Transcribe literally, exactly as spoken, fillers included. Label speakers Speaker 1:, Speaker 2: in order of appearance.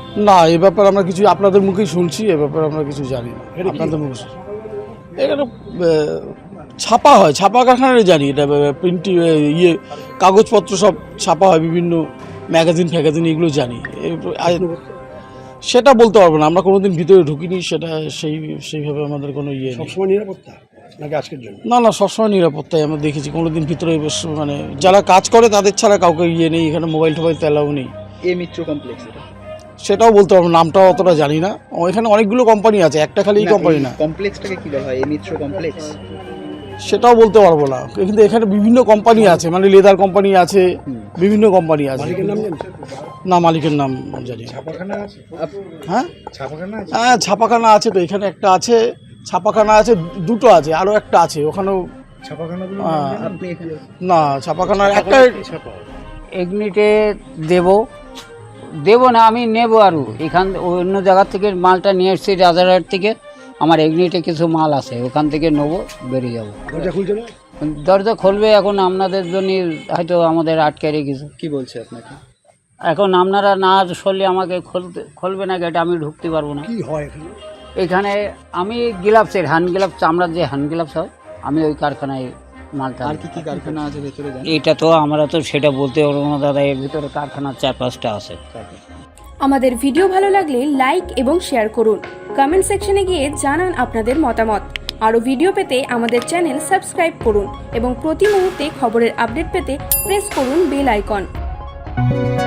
Speaker 1: না, এই ব্যাপারে আমরা কিছু আপনাদের মুখেই শুনছি, এ ব্যাপারে আমরা কিছু জানি না। আপনাদের মুখে এখানে ছাপা হয়, ছাপা কারখানায় জানি, এটা প্রিন্টি ইয়ে কাগজপত্র সব ছাপা হয়, বিভিন্ন ম্যাগাজিন ফ্যাগাজিন এগুলো জানি। সেটা বলতে পারবো না, আমরা কোনোদিন ভিতরে ঢুকিনি, সেটা সেই সেইভাবে আমাদের কোনো ইয়ে নেই।
Speaker 2: সবসময় নিরাপত্তা নাকি আজকের জন্য?
Speaker 1: না না, সবসময় নিরাপত্তায় আমরা দেখেছি, কোনোদিন ভিতরে বেশ মানে যারা কাজ করে তাদের ছাড়া কাউকে ইয়ে নেই, এখানে মোবাইল টোবাইল তেলাও নেই।
Speaker 3: এ মিত্র কমপ্লেক্স এটা
Speaker 1: সেটাও বলতে পারবো, নামটাও অতটা জানি না। এখানে অনেকগুলো কোম্পানি আছে, একটা খালি কোম্পানি না।
Speaker 3: কমপ্লেক্সটাকে কি বলা হয়, এ মিত্র কমপ্লেক্স?
Speaker 1: সেটাও বলতে পারবো না, কিন্তু এখানে বিভিন্ন কোম্পানি আছে, মানে লেদার কোম্পানি আছে, বিভিন্ন কোম্পানি আছে।
Speaker 2: মালিকের নাম জানেন?
Speaker 1: না, মালিকের নাম জানি না।
Speaker 2: ছাপাখানা আছে?
Speaker 1: হ্যাঁ
Speaker 2: ছাপাখানা আছে?
Speaker 1: হ্যাঁ, ছাপাখানা আছে তো, এখানে একটা আছে, ছাপাখানা আছে, দুটো আছে, আরও একটা আছে ওখানেও।
Speaker 2: ছাপাখানাগুলো
Speaker 3: আপনি এখানে
Speaker 1: না, ছাপাখানার একটা
Speaker 2: ছাপা
Speaker 4: এগনিটে দেব দেব না, আমি নেব আরও এখান অন্য জায়গার থেকে মালটা নিয়ে এসেছি, রাজারহাট থেকে। আমার এগনিটে কিছু মাল আছে, ওখান থেকে নেবো, বেরিয়ে যাবো।
Speaker 2: দরজা খুলছে না?
Speaker 4: দরজা খুলবে এখন, আপনাদের জন্য হয়তো আমাদের আটকে রেখেছে।
Speaker 3: কি বলছে আপনাকে?
Speaker 4: এখন আপনারা না সরলে আমাকে খুলতে খুলবে না গেট, আমি ঢুকতে পারবো না।
Speaker 2: কি হয় এখানে?
Speaker 4: এখানে আমি গ্লাভসের হ্যান্ড গ্লাভস, চামড়ার যে হ্যান্ড গ্লাভস হয়, আমি ওই কারখানায় মালটা।
Speaker 3: আর কি কি কারখানা আছে ভেতরে জানেন?
Speaker 4: এটা তো আমরা তো সেটা বলতে পারবো না দাদা, এর ভিতরে কারখানা চার পাঁচটা আছে।
Speaker 5: আমাদের ভিডিও ভালো লাগলে লাইক এবং শেয়ার করুন। কমেন্ট সেকশনে গিয়ে জানান আপনাদের মতামত। আরও ভিডিও পেতে আমাদের চ্যানেল সাবস্ক্রাইব করুন এবং প্রতি মুহূর্তে খবরের আপডেট পেতে প্রেস করুন বেল আইকন।